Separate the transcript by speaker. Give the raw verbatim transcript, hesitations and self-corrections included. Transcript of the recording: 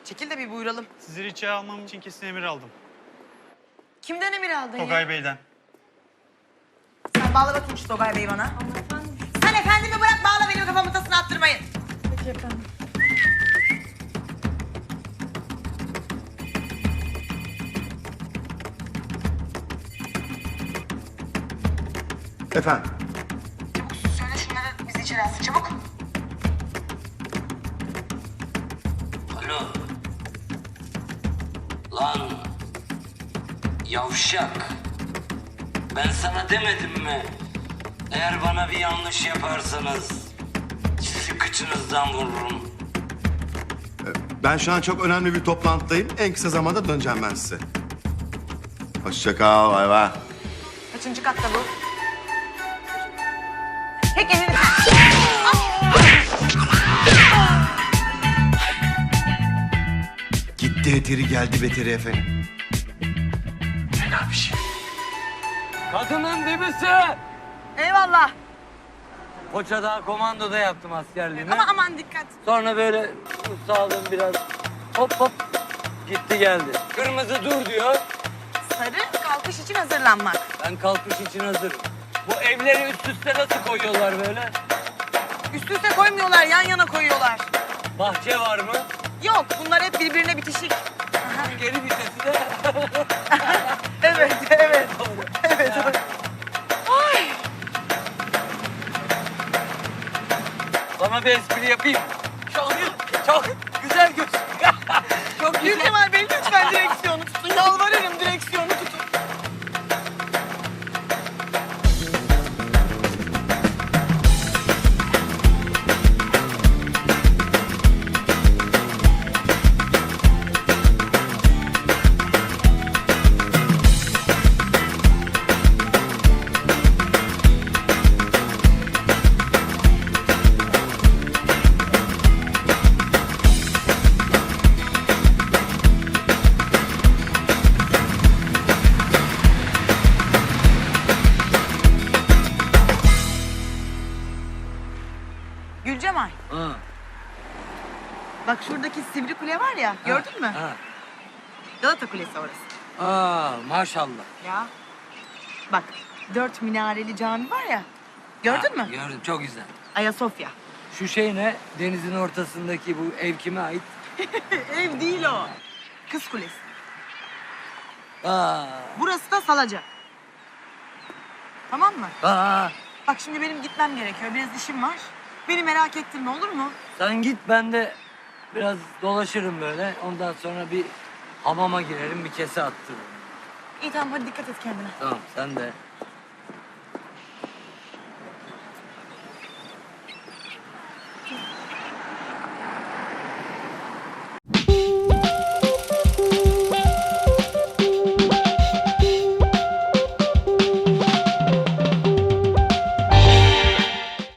Speaker 1: Çekil de bir buyuralım.
Speaker 2: Sizi içeri almam için kesin emir aldım.
Speaker 1: Kimden emir aldın ya?
Speaker 2: Togay Bey'den.
Speaker 1: Sen bağla bakayım şu Togay Bey'i bana. Sen efendimi bırak bağla, benim kafamı tasını attırmayın.
Speaker 3: Peki efendim.
Speaker 4: Efendim?
Speaker 1: Çabuk söyle şunları bizi içeri alsın çabuk.
Speaker 5: Alo. Lan yavşak. Ben sana demedim mi? Eğer bana bir yanlış yaparsanız sizi kıçınızdan vururum.
Speaker 4: Ben şu an çok önemli bir toplantıdayım. En kısa zamanda döneceğim ben size. Hoşça kal, bay bay.
Speaker 1: Kaçıncı katta bu? Tek elini...
Speaker 4: Gitti eteri geldi beteri efendim.
Speaker 5: Fena bir şey.
Speaker 6: Kadının dibisi.
Speaker 1: Eyvallah.
Speaker 6: Koçadağ komandoda yaptım askerliğimi.
Speaker 1: Ama aman dikkat.
Speaker 6: Sonra böyle sağladım biraz. Hop hop gitti geldi. Kırmızı dur diyor.
Speaker 1: Sarı kalkış için hazırlanmak.
Speaker 6: Ben kalkış için hazırım. Bu evleri üst üste nasıl koyuyorlar böyle?
Speaker 1: Üst üste koymuyorlar, yan yana koyuyorlar.
Speaker 6: Bahçe var mı?
Speaker 1: Yok, bunlar hep birbirine bitişik.
Speaker 6: Geri vitesi de.
Speaker 1: Evet, evet. Evet. Ay.
Speaker 6: Sana bir espri yapayım. Çok, çok güzel göz. Çok güzel.
Speaker 1: Gülkemal Bey lütfen direksiyonu tutun. Yalvarırım, direksiyonu tutun. Gülcemal,
Speaker 6: Ha,
Speaker 1: bak şuradaki sivri kule var ya, gördün mü?
Speaker 6: ha.
Speaker 1: Galata Kulesi orası.
Speaker 6: Aa, maşallah.
Speaker 1: Ya. Bak, dört minareli cami var ya, gördün
Speaker 6: Ha,
Speaker 1: mü?
Speaker 6: Gördüm, çok güzel.
Speaker 1: Ayasofya.
Speaker 6: Şu şey ne? Denizin ortasındaki bu ev kime ait?
Speaker 1: Ev değil o. Kız Kulesi.
Speaker 6: Aa,
Speaker 1: Burası da Salaca. Tamam mı?
Speaker 6: aa.
Speaker 1: Bak şimdi benim gitmem gerekiyor, biraz işim var. Beni merak ettirme, olur mu?
Speaker 6: Sen git, ben de biraz dolaşırım böyle. Ondan sonra bir hamama girerim, bir kese attırırım.
Speaker 1: İyi tamam, hadi dikkat et kendine.
Speaker 6: Tamam, sen de.